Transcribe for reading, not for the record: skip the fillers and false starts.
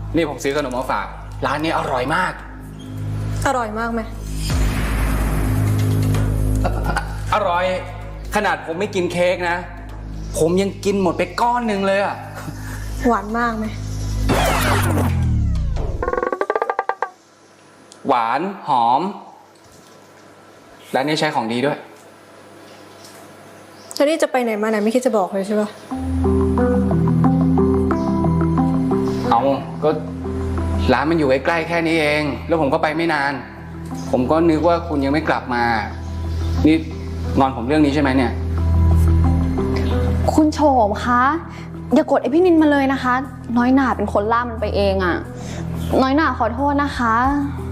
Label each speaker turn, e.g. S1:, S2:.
S1: นี่ผมซื้อขนมมาฝากร้านนี้อร่อยมาก
S2: อร่อยมากไหม
S1: อร่อยขนาดผมไม่กินเค้กนะผมยังกินหมดไปก้อนหนึ่งเลยอะ
S2: หวานมากไหม
S1: หวานหอมร้านนี้ใช้ของดีด้วย
S2: แล้วนี่จะไปไหนมาไหนไม่คิดจะบอกเลยใช่ปะ
S1: เอาก็ร้านมันอยู่ใกล้ๆแค่นี้เองแล้วผมก็ไปไม่นานผมก็นึกว่าคุณยังไม่กลับมานี่งอนผมเรื่องนี้ใช่ไหมเนี่ย
S3: คุณโฉมคะอย่ากดไอพี่นินมาเลยนะคะน้อยหน่าเป็นคนล่ามันไปเองอะน้อยหน่าขอโทษนะคะ